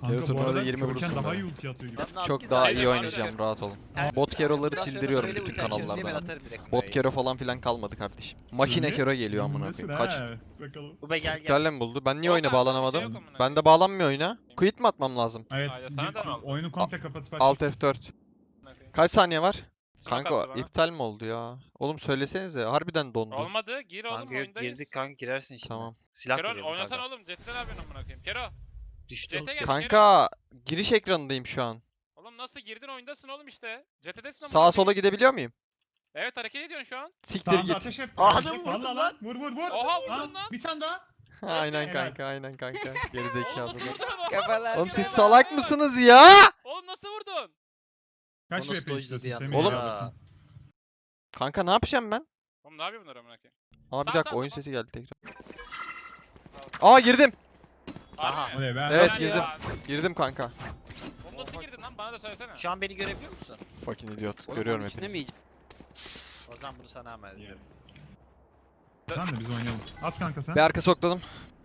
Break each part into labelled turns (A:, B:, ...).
A: Kanka bu
B: turnuvada
A: arada
B: 20
A: Körken
B: vurursun
A: daha
B: böyle.
A: iyi ulti atıyor gibi.
B: Çok daha iyi oynayacağım, rahat olun. Bot Kero'ları
C: Biraz sonra
B: sildiriyorum
C: söyle
B: bütün
C: ulti açarım diye ben
B: kanallardan.
C: atarım direkt
B: Bot
C: buraya.
B: Kero falan filan kalmadı kardeşim. Makine
A: Söyle.
B: Kero geliyor amına
A: Bilmesin
B: koyayım. Kaç?
A: ha. Bakalım.
C: Bu be gel gel.
B: İptalle mi buldu? Ben niye oyuna
D: Volkan, bir şey
B: bağlanamadım?
D: yok amına
B: Ben de
D: koyayım.
B: bağlanmıyor oyuna. Quit mi atmam lazım?
A: Evet.
D: Aa, ya sana da mı oldu?
A: Oyunu komple kapatıp aç.
B: Alt F4.
D: Amına koyayım.
B: Kaç saniye var?
D: Smoke
B: Kanka
D: attı bana.
B: iptal mi oldu ya? Oğlum söylesenize. Harbiden dondu.
D: Olmadı. Gir oğlum
C: Kanka yok
D: oyundayız.
C: girdik kanka girersin işte.
B: Tamam.
C: Silah
D: Kero
C: koruyorum
D: oynasana
C: kanka.
D: oğlum. CT'de ne yapıyorsun amına koyayım? Kero.
C: Düştü.
D: CT gel.
B: Kanka giriş ekranındayım şu an.
D: Oğlum nasıl girdin oyundasın oğlum işte. CT'desin amına
B: Sağa sola
D: koyayım.
B: gidebiliyor muyum?
D: Evet hareket ediyorsun şu an.
B: Siktir
A: Tamam
B: git.
A: ateş et.
C: Aa,
A: Ateş
C: adamı
A: et.
C: vurdun
A: Vallahi
C: lan.
A: Vur vur vur.
D: Oha vurdun lan.
A: Bir tane daha.
B: Aynen
A: Helal.
B: kanka, aynen kanka.
D: Oğlum
B: Gerizekalı.
D: nasıl vurdun onu?
C: Kafalar.
B: Oğlum siz
D: Helal,
B: salak
D: helal.
B: mısınız ya?
D: Oğlum nasıl vurdun?
A: Kaç
C: Bonus
A: VP
C: dojdu
A: istiyorsun
C: diye
A: Semih?
B: Oğlum-
A: ya?
B: Kanka ne yapacağım ben?
D: Oğlum ne yapıyor bunlar amına koyayım?
B: Aa bir
D: Sağ,
B: dakika
D: sağ,
B: oyun
D: sağ.
B: sesi geldi tekrar. Aa girdim.
C: Aha.
D: Harbi mi?
A: Oley be.
B: Evet,
D: Helal
B: girdim.
D: ya.
B: Girdim kanka.
D: Oğlum nasıl girdin lan? Bana da söylesene.
C: Şu an beni görebiliyor musun?
B: Fucking idiot. Görüyorum hepinizi.
C: O zaman bunu sana amel ediyorum.
A: Sen de biz oynayalım. At kanka sen.
B: Bir arka sokladım.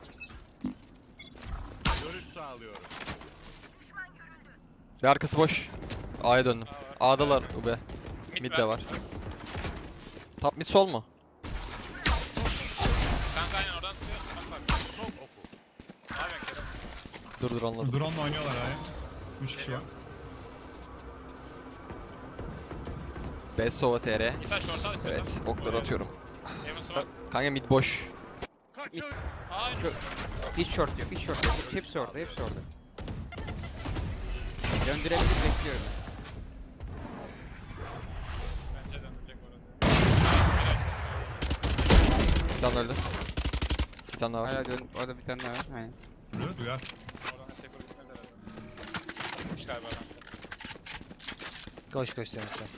E: Görüş sağlıyorum.
B: Bir arkası boş. A'ya döndüm.
D: Aa, var.
B: A'dalar ube. Mid de var. Top mid sol mu?
D: Kanka aynen oradan sıkıyorsun. Bak bak. Çok oku. Ne yapıyorsun Kero?
B: Dur anladım.
A: Drone'la oynuyorlar abi. 3 kişi var.
B: Best Sova TR.
D: Bir tane short al istiyorsan.
B: Evet okları atıyorum.
D: Heaven smoke.
B: Kanka mid boş.
E: Kaçın.
D: Aa
F: Çok- Hiç short yok, hiç short yok. Hepsi orada, hepsi orada. Döndürebilir, bekliyorum.
D: bence dönecek orada.
B: Bir tane öldü. Bir tane daha var.
F: Hala dön, orada bir tane daha var. Aynen.
A: Duyar duyar.
D: Oradan destek olur gitmez herhalde. Gitmiş galiba adam.
C: Koş koş Semih sen.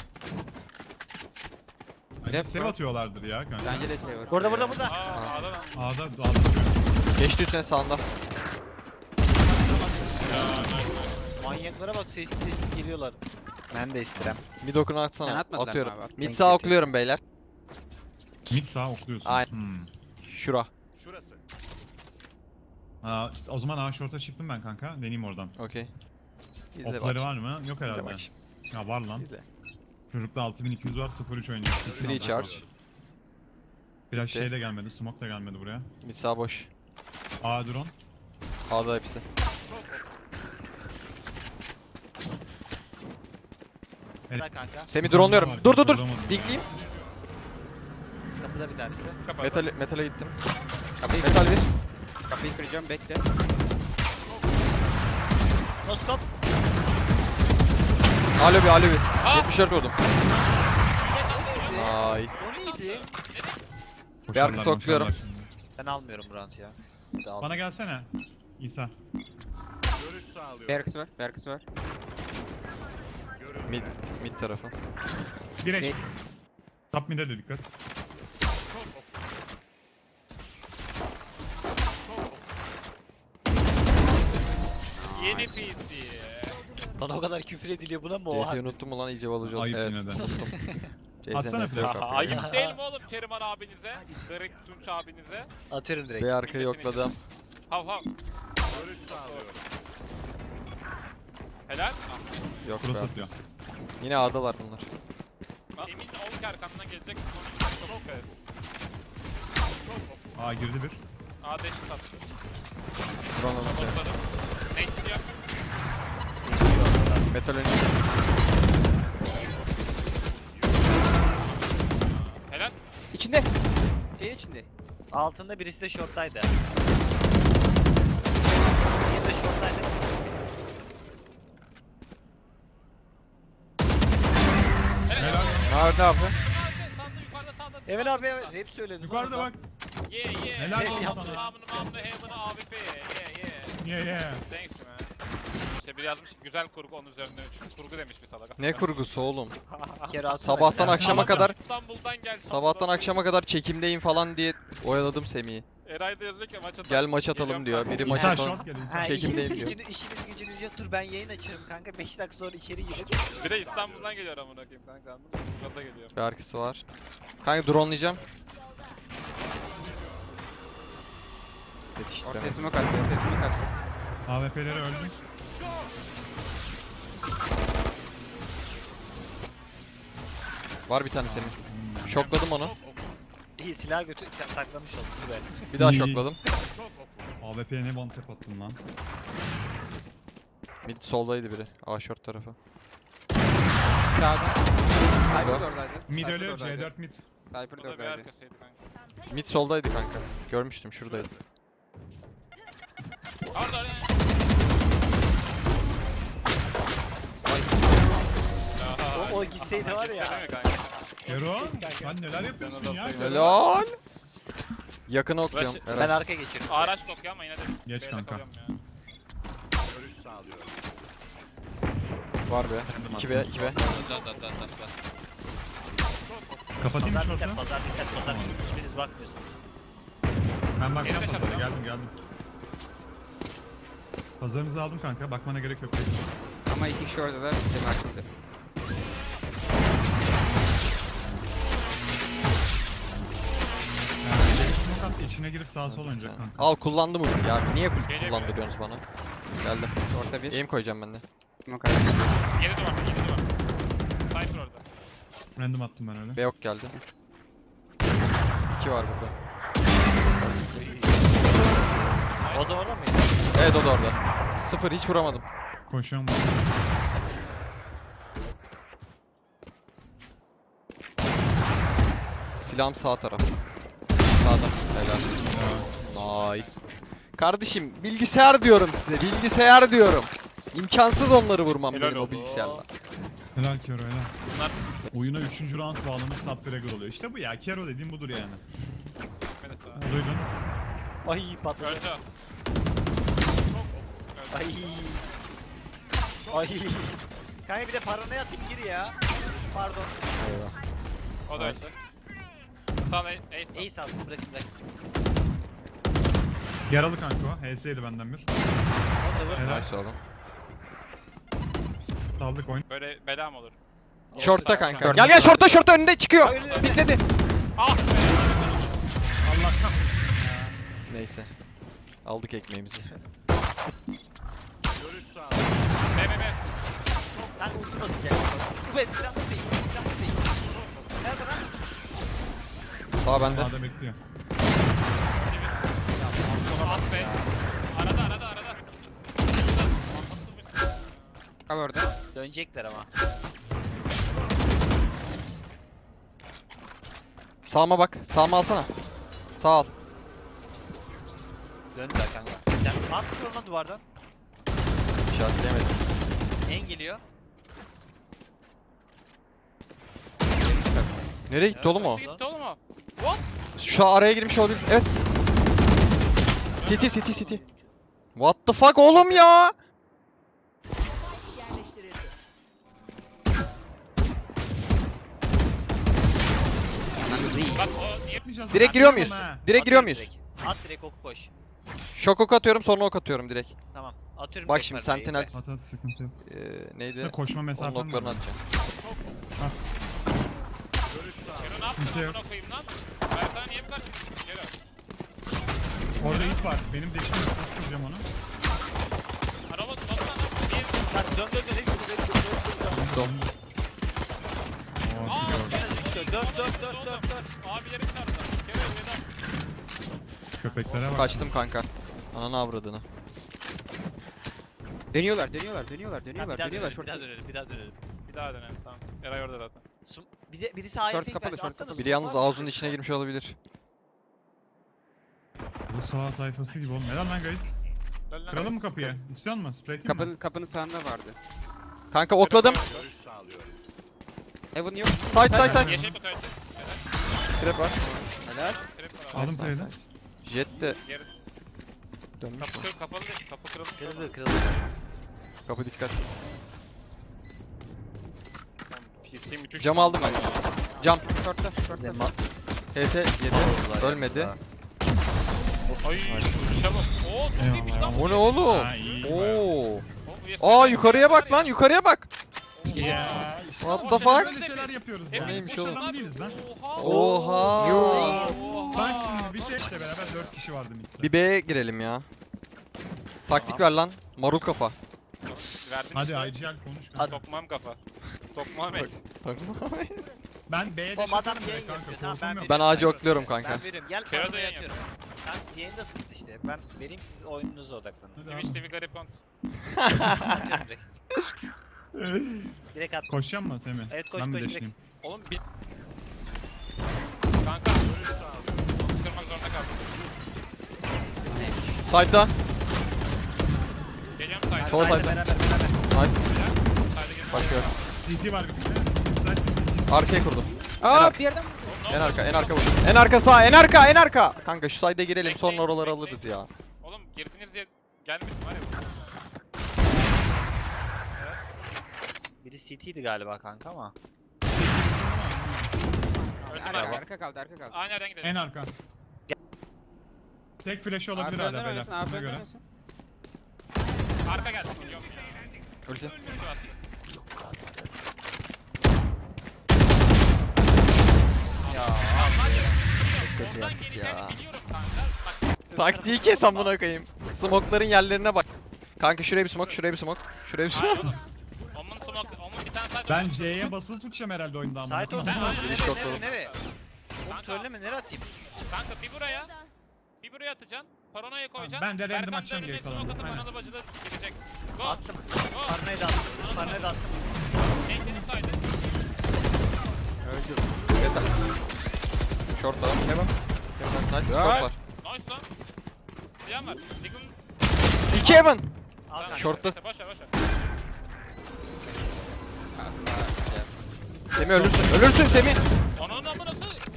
A: Hani sev atıyorlardır ya kanka.
F: Bence de şey var.
C: Burada burada burada.
D: Aa A'da lan.
A: A'da duruyor.
B: Geçti üstüne sağında.
C: Manyaklara bak sessiz sessiz geliyorlar. Ben de istirem.
B: Mid okunu
F: Sen
B: atsana.
F: atmadın
B: Atıyorum.
F: ama bak.
B: Mid
C: Denk
B: sağ
C: getir.
B: okluyorum beyler.
A: Mid sağ okluyorsun.
B: Aynen.
A: Hmm.
B: Şura.
E: Şurası.
A: Aa, işte o zaman A short'a çıktım ben kanka. Deneyeyim oradan.
B: Okey. İzle
A: Okları
B: bak.
A: var mı? Yok
B: İzle
A: herhalde.
B: bak.
A: Ya var lan.
B: İzle.
A: Çocukta 6200 var 03 oynuyor.
B: Free charge.
A: Biraz
B: Bitti.
A: şey de gelmedi. Smoke da gelmedi buraya.
B: Mid sağ boş.
A: A drone.
B: A'da hepsi.
C: Burada kanka.
B: Semi drone'luyorum. Dur dur dur.
A: Vuramadım.
B: Dinkleyeyim.
C: Kapıda bir tanesi.
D: Kapadı.
B: Metale gittim. Metal 1.
F: Kapıyı kıracağım, bekle.
C: Noskop.
B: Alo bir alo bir.
D: Aa!
B: 74 vurdum.
C: O
B: Nice.
C: neydi?
B: Bir arka
A: Boşarlar,
B: sokluyorum.
A: boşarlar şimdi.
C: Ben almıyorum bu round ya. Bir de aldım.
A: Bana gelsene. İsa.
E: Görüş sağlıyorum.
F: Berksı var, Berksı var.
E: Görün.
B: Mid tarafı.
A: Direkt.
F: Şey-
A: Top mid'e de dikkat.
D: Yeni PC.
C: Bana o kadar küfür ediliyor buna mı o?
B: CS'yi unuttum mu lan iyice balıcı oldum.
A: Ayıp
B: Evet
A: yine de.
B: unuttum.
A: Atsana
B: CS'nin yok
A: flash.
B: artık.
D: Ayıp değil mi oğlum Keriman abinize? Garip Tunç abinize?
C: Atıyorum direkt.
B: Bir arkayı yokladım.
D: Hav hav.
E: Görüş sağlıyorum.
D: Helal.
B: Yok
A: Cross
B: be
A: atıyor.
B: arkası. Yine A'dalar bunlar.
D: Emin ol ki arkamdan gelecek. Çok evet.
A: A girdi bir.
D: A dash attı.
B: Drone alınca.
D: Sabokladım. Nate diyor.
B: Metal önce.
D: Helal.
F: İçinde. Şeyin içinde.
C: Altında birisi de short'taydı. Diğeri de short'taydı.
D: Helal.
B: Nerede abi?
D: Sağda yukarıda sağda.
C: Emin abi rap söyledin.
A: Yukarıda bak.
D: Yeah yeah.
A: Helal
C: olsun
D: Mamını
C: sana.
D: mamını heaven'ı AWP. Yeah yeah.
A: Yeah.
D: Thanks man. İşte biri yazmış güzel kurgu onun üzerinden 3. Kurgu demiş bir salak.
B: Ne kurgusu oğlum?
C: Kere atsana.
B: Sabahtan
C: bir
B: akşama
C: tane.
B: kadar
D: İstanbul'dan gel.
B: Sabahtan akşama kadar çekimdeyim falan diye oyaladım Semih'i.
D: Eray da yazıyor ki maç atalım.
B: Gel maç atalım
D: Geliyorum
B: diyor.
D: kanka.
B: Biri maç
A: İsa
B: atalım.
A: short geliyor.
C: Ha,
A: İsa.
B: Çekimdeyim
C: işiniz,
B: diyor.
C: işiniz gücünüz yoktur ben yayın açarım kanka 5 dakika sonra içeri girelim.
D: Bir de İstanbul'dan geliyor amına koyayım kanka anladın mı? Gaza geliyor.
B: Bir arkası var. Kanka dronelayacağım.
F: Ortaya
B: Yetiştiremedim.
F: smoke attı, ortaya smoke attı.
A: AWP'leri öldü.
B: Var bir tane Semih. Şokladım onu.
C: İyi silah götür saklamış oldum dur be.
B: Bir daha
A: İyi.
B: şokladım.
A: AWP'ye ne one tap attın lan?
B: Mid soldaydı biri. A short tarafı.
F: Sağda. Cypher
B: Burada.
F: de oradaydı.
A: Mid
F: Cypher de
A: ölü,
F: oradaydı.
A: C4 mid.
F: Cypher
D: O
F: de
D: da bir
F: oradaydı.
D: arkasıydı kanka.
B: Mid soldaydı kanka. Görmüştüm şuradaydı.
D: Orada.
C: O gitseydi var ya.
A: Kero, sen neler yapıyorsun ya? Kero?
B: Helal. Yakına okuyorum.
D: Başı-
C: Ben
B: Eren.
C: arkaya geçiyorum.
D: Araç dokuyor ama yine de.
A: Geç
D: B'de
A: kanka.
D: kalıyorum ya.
E: Görüş sağlıyorum.
B: Var be. 2B 2B.
C: Dön.
A: Kapatayım
C: Pazar
A: mı
C: dikkat,
A: şortu?
C: pazar dikkat, pazar dikkat. Hiçbiriniz bakmıyorsunuz.
A: Ben bakacağım
D: Yeni de
A: pazara,
D: şartlar.
A: geldim. Pazarınızı aldım kanka, bakmana gerek yok.
F: Ama iki kişi orada da Semih açıldı.
A: Yani smoke at, içine girip sağa sol oynayacak kanka.
B: Al kullandım ulti abi. Niye
D: Geliyor.
B: kullandırıyorsunuz bana? Geldim.
F: Orta bir.
B: Aim koyacağım ben de.
F: Smoke attı.
D: 7 duvar, 7 duvar. Cypher orada.
A: Random attım ben öyle.
B: B yok geldi. 2 var burada.
C: O da orada mıydı?
B: Evet o da orada. 0 hiç vuramadım.
A: Koşuyorum.
B: Silahım sağ taraf. Sağda. Helal. Nice. Kardeşim bilgisayar diyorum size. Bilgisayar diyorum. İmkansız onları vurmam
D: Helal
B: benim o
D: oldu.
B: bilgisayarla.
A: Helal Kero helal.
D: Bunlar
A: Oyuna 3. round bağlamış top fragger oluyor. İşte bu ya, Kero dediğim budur yani.
D: gitmedi sağa.
A: Duydun.
C: Ay patladı.
D: Öldü.
C: Ay. Ay. Kanka bir de paranoya atayım gir ya. Pardon.
D: O da öldü. Sağ ace.
C: Ace alsın bırakın bırakın.
A: Yaralı kanka o. HS'ydi benden bir.
C: Onu da vur.
A: Helal.
B: Nice oğlum.
A: Saldık oyun.
D: Böyle bela mı olur?
B: Short'ta kanka.
F: Gördüm.
B: Gel gel short'ta önünde çıkıyor.
C: Ay, önünde.
B: Bitledi.
D: Ah be!
A: Allah kahretsin.
B: Neyse. Aldık ekmeğimizi.
E: Görüş sağlıyorum.
D: B, B, B.
C: Kanka ulti basacak. Süper silahlı peşin. Silahlı peşin. Nerede lan?
B: Sağ bende.
A: Sağda bekliyor.
D: Ah be! Arada.
F: Kal orada.
C: Dönecekler ama.
B: Sağıma bak. Sağıma alsana. Sağ al.
C: Döndüler kanka. Sen ne yapıyorsun lan duvardan?
B: İşaretleyemedim.
C: En geliyor.
B: Nereye gitti oğlum o?
D: Nasıl gitti oğlum o?
B: Şu araya girmiş olabilir. Evet. City. What the fuck oğlum ya?
G: Yerleştirildi.
D: Bak o niye?
A: Yapmayacağız.
B: Direkt giriyor muyuz?
A: Ha.
B: Direkt giriyor muyuz?
C: At direkt oku koş.
B: Şok ok atıyorum sonra ok atıyorum direkt.
C: Tamam. Atıyorum.
B: Bak
C: direkt
B: şimdi
C: mermiyi.
B: Sentinel
A: At at, sıkıntı yok.
B: neydi?
A: Ve koşma
B: Onun
A: mesafen
B: oklarını
A: var.
B: atacağım.
E: Görüş sağlıyorum.
D: Kero ne yaptın
A: Kimse yok.
D: amına koyayım lan? Berkay niye bu kadar kötüsün Kero?
A: Orada it var. Benim deşim yok. Nasıl kıracağım onu?
D: Araba tutmasana lan. Niye?
C: Lan dön. Hepsi
B: Sol.
A: Oo,
D: Aa,
A: gidiyor.
C: Dön.
D: Abilerim çarptı. Kero neden?
A: Köpeklere bak.
B: Kaçtım kanka. Ananı avradını.
F: Dönüyorlar.
C: Bir daha
F: Short.
C: dönelim.
D: Bir daha dönelim tamam. Eray orada zaten.
C: Birisi A'ya
F: Short
C: tek
F: kapalı,
C: versin.
F: short
C: Atsana
F: kapalı.
B: Biri
C: smoke
B: yalnız
C: var mı?
B: ağzının içine girmiş olabilir.
A: Bu sağ tayfası gibi oğlum. Helal lan guys.
D: Dön lan.
A: Kıralım mı kapıyı? İstiyor musun? Spray atayım mı?
F: Kapının sağında vardı.
B: Kanka okladım.
E: Görüş sağlıyorum.
F: Heaven yok.
B: Side.
D: Yeşil kutu açtı.
B: Trap var.
F: Helal.
D: Trap var abi.
A: Aldım trade'i.
B: Jet de
D: Geri.
B: dönmüş mü?
D: Kapı kapalı değil. Kapı kırılmış.
C: Kırıldı.
B: Kapı dikkat.
D: PC müthiş.
B: Cam aldım ben. Cam.
F: Short'ta.
B: HS 7. Ölmedi.
D: Ay vuruşa bak. Oo çok iyiymiş lan.
A: Eyvallah.
B: O ne oğlum?
A: Ha, iyi.
B: Oo.
D: Oo,
B: Aa yukarıya bak lan yukarıya bak.
A: Ya. işte
B: What
D: O
B: the
D: şeyler
B: fuck?
A: Böyle şeyler yapıyoruz
D: Hepimiz
A: ya.
B: neymiş
D: boşuna
B: oğlum?
A: Adam değiliz lan.
D: Oha.
B: Oha.
A: Bak şimdi bir şey işte beraber 4 kişi vardı midde.
B: Bir B'ye girelim ya. Taktik ver lan. Marul kafa.
D: Verdim
A: Hadi
D: işte.
A: IGL konuş kanka.
D: Tokmağım kafa. Tokmağım et.
A: Ben B'ye
C: Oğlum adam
A: deşebilirim
C: yayın
A: kanka.
C: yapıyor. Tamam
A: korkum
C: ben
A: yok.
B: Ben ağacı okluyorum kanka.
C: Ben veriyorum. Gel
D: Kero da
C: paranaya
D: yayın
C: atıyorum. Tamam siz yayındasınız işte. Ben vereyim siz oyununuza odaklanın.
A: Hadi abi.
D: Twitch TV garip kont.
C: Atıyorum direkt. Direkt attım.
A: Koşacağım mı Semih?
C: Evet, koş,
A: Ben mi
C: koş,
A: deşleyeyim?
D: Oğlum bir... Kanka. Kırmak zorunda kaldım.
B: Side'da.
D: Geliyorum sayda.
B: Sol
C: Sayda
B: sayda.
C: beraber.
B: Nice.
D: Sayda gel.
B: Başka yok.
A: CT var bir tane.
B: Arkaya kurdum.
F: Aa bir yerden
B: En arka, en arka vur. En arka sağ, en arka, en arka. Kanka şu side'e girelim sonra
D: Bekleyin,
B: oraları
D: bekleyin.
B: alırız ya.
D: Oğlum girdiniz diye gelmedim var ya.
C: Biri CT'ydi galiba kanka ama.
D: Öldüm
F: arka,
D: abi.
F: arka kaldı arka kaldı.
D: Aynı yerden gidelim.
A: En arka. Tek flash'ı olabilir
F: Abi
A: hala
F: önden
A: beyler.
F: oynasın, abi
A: Ona
F: önden
A: göre.
F: oynasın.
D: Arka geldi. Yok.
B: Ulti.
D: Ulti attı.
C: Ya.
B: Kötü
D: Oradan
B: yaptık
D: geleceğini
B: ya.
D: biliyorum kanka. Bak
B: Taktiği kes amına koyayım. Smoke'ların yerlerine bak. Kanka şuraya bir smoke, şuraya bir smoke. Şuraya bir
D: hayır
B: smoke.
D: oğlum. Onun bir tane side
A: Ben C'ye basılı tutacağım herhalde oyunda ama.
C: Sait olsun.
D: Sen aynen.
B: Çok
C: Nereye
B: doğru.
C: nereye? Oğlum
D: Kanka.
C: söyleme nereye atayım?
D: Kanka bir buraya. Bir buraya atacaksın. Paranoya koyacaksın.
A: Ben de random
D: Berkan
A: atacağım
D: önüne
A: geri kalanı.
D: smoke atıp
A: Aynen.
D: analı bacıda gidecek. Go.
C: Attım.
D: Go.
C: Parnayı da attım. Parnayı da attım.
D: Eğitelim saydı.
B: Yeter. Short var. Hemen. Nice. Short var.
D: Nice lan. Silahım var. Diggle.
B: 2 heaven.
C: Al kanka.
B: Short'ta.
D: İşte boş ver boş ver.
B: Semih ölürsün. Ölürsün Semih.
D: Onun amınası.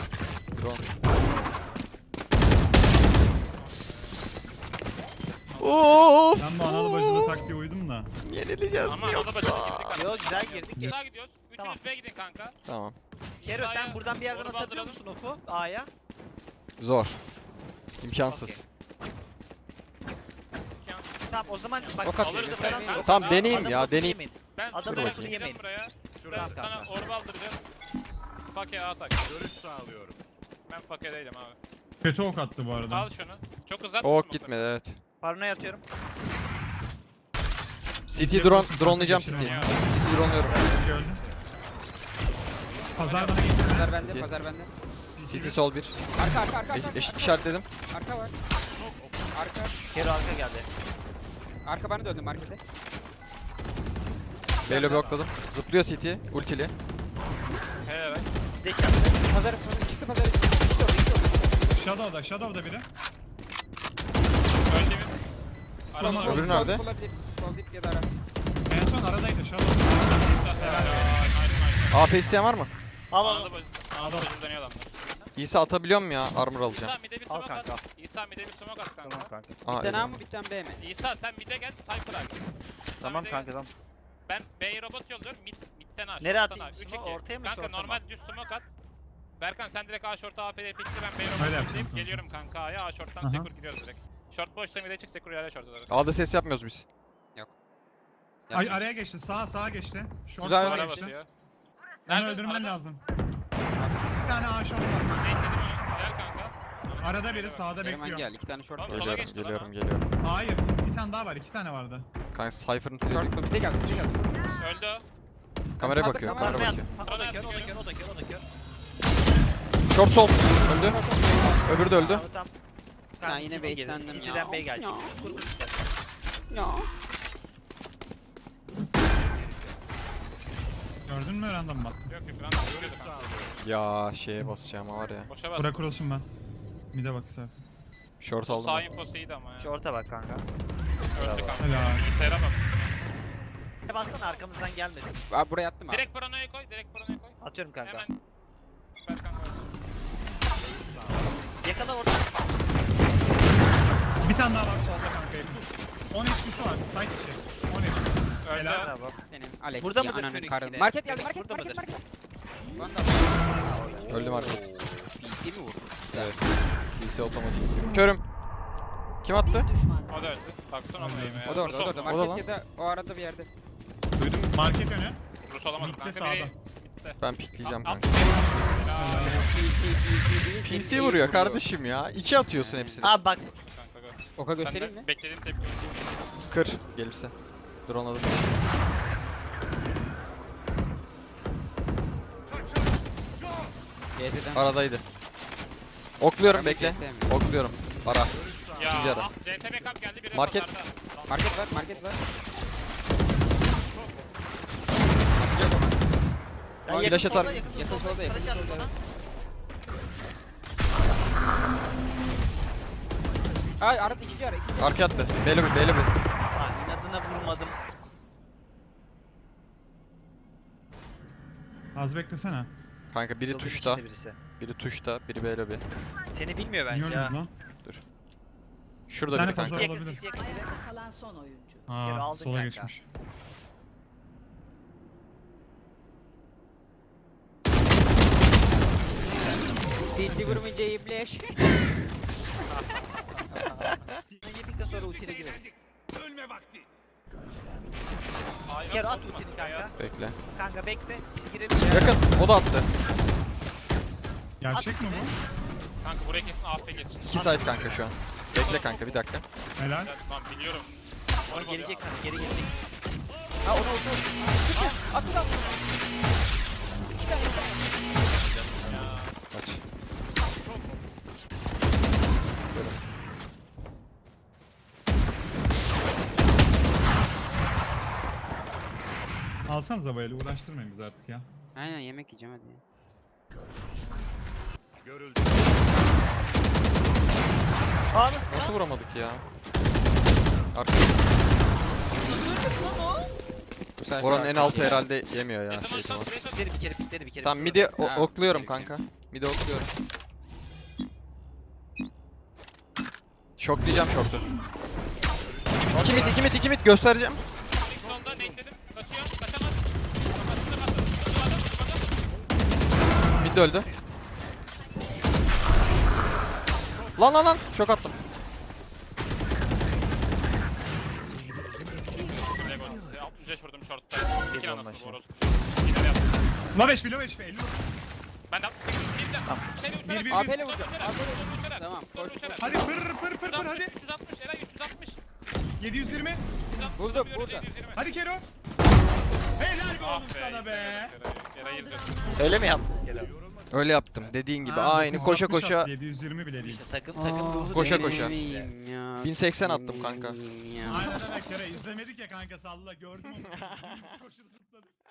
B: Of.
A: Ben bu analı bacılı taktiğe uydum da.
B: Yenileceğiz
D: Ama
B: mi
D: analı bacıda
B: yoksa?
D: girdik.
C: Yo güzel girdik.
D: Sağa gidiyoruz. Üçünüz
C: Tamam.
D: B'ye gidin kanka.
B: Tamam.
C: Kero sen
D: Sağa
C: buradan bir yerden
D: doğru
C: atabiliyor
D: bandıralım.
C: musun oku A'ya?
B: Zor. İmkansız.
C: Tamam o zaman bak
B: Ok at.
C: alırız falan.
B: Tamam, deneyeyim
C: Adamı
B: ya,
C: lafını
B: deneyeyim.
C: yemeyin.
D: Ben
C: Adamı
D: sana
B: lafını
D: bakacağım
C: yemeyin.
D: buraya.
C: Şuradan
D: Ben sana
C: kanka.
D: orba aldıracağız. Fake atak.
E: Görüş sağlıyorum.
D: Ben fake değilim abi.
A: Kötü ok attı bu arada.
D: Al şunu. Çok uzat.
B: Ok gitmedi evet.
C: Parnoya atıyorum.
B: CT dronelayacağım CT.
A: Geçirin ya.
B: CT dronluyorum.
A: Gördüm. Pazar bana geçti.
F: Pazar bende,
B: CT.
F: pazar bende.
B: CT sol 1.
F: Arka.
B: Eşit işaretledim.
F: Arka var. Arka.
C: Kero arka geldi.
F: Arka bana döndü markete.
B: Beylo blokladım. Zıplıyor CT. Ultili.
D: Helal.
C: Deş attı.
F: Pazar çıktı pazar. İkisi orada.
A: Shadow'da biri.
D: Öldü bir.
A: Tamam,
D: Arada
B: öbürü nerede?
F: Olabilir. Sol dip ya da ara.
A: En son aradaydı Shadow.
B: AP isteyen var mı?
C: Al al.
D: Anadolu bacım dönüyor adamlar.
B: İsa atabiliyor mu ya? Armor alacağım.
D: İsa mid'e bir
C: Al
D: smoke at.
C: kanka.
D: İsa mid'e bir smoke at kanka.
C: Tamam kanka.
B: Aa,
F: Bir tane A
B: eyvallah.
F: mı bir tane B mi?
D: İsa sen mid'e gel. Cypher'a git.
C: Tamam kanka tamam.
D: Ben B'ye robot yolluyorum. Mid'den A.
C: Nereye
D: short'tan
C: atayım?
D: 3
C: Smoke ortaya mı,
D: Kanka
C: short'a mı?
D: normal düz smoke at. Berkan sen direkt A short'a AP'ye pikti ben B'ye
A: Öyle
D: robot
A: yapacağım
D: yollayıp
A: kanka.
D: geliyorum kanka A'ya. A short'tan
A: Aha.
D: Sekur gidiyoruz direkt. Short boşta mid'e çık Sekur yere short olarak.
B: A'da ses yapmıyoruz biz.
A: Ay araya geçti. Sağa geçti. Short
B: Güzel.
A: sağa
D: Sonra
A: geçti.
D: basıyor.
A: Onu
D: Nerede?
A: öldürmen
D: Arada.
A: lazım. Bir tane A short var.
D: Ne dedim onu? Gel kanka.
A: Arada biri sağda
F: Kerem
A: bekliyor.
F: gel. 2 tane short
D: Abi,
F: var.
D: sola
B: Geliyorum,
D: geçti lan
B: geliyorum.
A: Hayır, bir tane daha var. 2 tane vardı.
B: Kanka Cypher'ın
F: Short
B: treni.
F: mu? Bize geldi.
D: Öldü o.
B: Kameraya
F: Sağda
B: bakıyor,
F: kamera
B: kamera
C: Parnoya
B: bakıyor.
C: at. O da kör, o da kör, o da kör, o da kör.
B: Short sol. Öldü. Öbürü de öldü.
C: Tamam, tamam.
F: Ha,
C: Kanka
F: yine
C: City gelir.
F: baitlendim ya.
C: City'den Bey gelecek.
F: Ya.
C: Kur kur istersen.
F: Ya.
A: Gördün mü random bak.
D: Yok yok ben görüyordu
E: Görüş
D: kanka.
E: sağlıyorum.
B: Ya şeye basacağım var ya.
D: Boşa bas.
A: Bırak cross'um ben. Mid'e bak istersen.
B: Short
D: Sağ
B: aldım.
D: infosu iyiydi ama ya.
C: Short'a bak kanka.
D: Öldü kanka.
A: Helal.
D: Bilgisayara bak.
C: Bassana arkamızdan gelmesin.
F: Abi buraya attım abi.
D: Direkt paranoya koy, direkt paranoya koy.
C: Atıyorum kanka.
D: Hemen. Berkan koy.
C: Yakala orada.
A: Bir tane daha var solda kanka. 10 HP'si var. Side içi. 10 HP.
D: Öldü.
A: Helal.
C: Bravo.
F: Senin Alex
C: Burada
F: ya,
C: mıdır
F: ananın
C: Phoenix
F: karın.
C: yine?
F: Market geldi
C: Phoenix
F: market
C: burada
F: market
C: mıdır?
F: market. Lan da
B: Öldüm artık.
F: PC mi vurdu?
B: Evet. PC otomatik. Körüm. Kim attı?
D: O da öldü. Baksana ona yemeğe.
F: O da orada, o da orada.
B: O da
F: Market ya da o arada bir yerde.
B: Duydum.
A: Market önü.
D: Rus olamadım
A: Mid'de
D: kanka.
A: sağda.
D: Biri midde.
B: Ben pikleyeceğim
D: At-
B: kanka.
F: PC değil.
B: PC vuruyor kardeşim ya. 2 atıyorsun hepsini.
C: Abi bak
D: Kanka gör.
F: Oka göstereyim mi?
D: Senden beklediğim tepki.
B: Kır gelirse. Drone alır.
F: GT'den.
B: Aradaydı. Okluyorum
F: Ben
B: bekle.
F: GT mi?
B: Okluyorum. Ara.
D: Ya
B: İkinci ara.
D: ah CTB kamp geldi. Biri
B: Market.
D: onlarda.
F: Market var, market var.
C: Ya
B: Flash
C: yakın
B: atar.
C: solda, yakın
F: Yakın
C: solda,
F: solda, yakın
C: flash attı
F: solda.
C: bana.
F: Ay arada ikinci ara, ikinci ara.
B: Arka attı. Beyli beyli.
C: Lan inadına vurmadım.
A: Az beklesene.
B: Kanka biri
C: Yıldırım
B: tuşta.
C: içinde birisi.
B: Biri tuşta. Biri beyli bir.
C: Seni bilmiyor
A: Niye
C: bence
A: öldün
C: ya.
A: lan?
B: Şurada
A: Bir tane
B: biri kanka.
A: fazla-
C: Yakın
A: olabilir.
C: city, yakın city.
G: Ayakta kalan son oyuncu.
C: Geri
A: Aa,
C: aldın
A: sola
C: kanka.
A: geçmiş.
F: DC vurmayınca ibleş.
C: Yedikten sonra ultiyle gireriz.
E: Ölme vakti.
D: Aynen,
C: Kero at
D: vurdum
C: ultini
D: bak,
C: kanka.
B: Bekle.
C: Kanka bekle. Biz girelim.
B: Yakın. O da attı.
A: Gerçek mi bu?
D: Kanka buraya kesin AFP kesin.
B: 2 side kanka şu an. Bekle kanka bir dakika.
A: Helal.
D: Evet, tamam biliyorum.
C: Onu gelecek sana. Geri gelecek.
F: Ha onu At lan. İki tane.
B: Kaç.
A: Alsanıza böyle uğraştırmayın bizi artık ya.
F: Aynen yemek yiyeceğim hadi.
E: Görüldü.
C: Aa nasıl
B: Nasıl
C: lan?
B: vuramadık ya? Arka.
C: Nasıl ölmedi lan o?
F: Bu sefer
B: Oranın en altı
F: ya.
B: herhalde yemiyor ya.
D: Kesin
B: Şey
D: olursan
B: var.
D: buraya sok.
C: Pikledi bir kere pikledi bir kere.
B: Tamam
C: pikledi.
B: midi
F: Ha,
B: okluyorum
F: gerekiyor.
B: kanka. Midi okluyorum. Şoklayacağım şoktu. 2 mid göstereceğim.
D: İlk sonda nate'ledim. Kaçıyor. Kaçamaz. Kafasında bastı. Tutmadım.
B: Mid de öldü. Lan şok attım.
D: Lego. 65 vurdum short'ta.
C: Bir
D: İki
C: bomba
D: anasını
C: şey.
D: bu orospu. Gider yaptım.
A: Low HP, low HP, 50.
D: Ben de 68 girdim. Seni uçarak.
A: Bir,
F: AP'le
D: Uçarak,
F: vuracağım.
D: uçarak,
F: AP'le
D: uçarak,
F: Tamam,
D: uçarak,
F: koş,
D: uçarak.
A: Hadi pır hadi.
D: 360 Eray 360.
A: 720.
D: 360
F: Buldum,
D: vuruyoruz,
F: burada.
D: 720.
A: Hadi Kero. Helal be
D: Ah
A: oğlum sana be.
D: Eray izledim.
C: Öyle mi yaptın Kerem?
B: Öyle yaptım. Dediğin gibi
A: Aa,
B: aynı koşa
A: 960
B: koşa
A: attı, 720 bile değil.
C: İşte takım ruhu
B: Koşa
C: değil.
B: koşa.
F: Benim ya.
B: 1080 attım kanka.
F: Benim ya.
A: Aynen öyle Kero izlemedik ya kanka salla gördüm onu. Koşur zıpladı.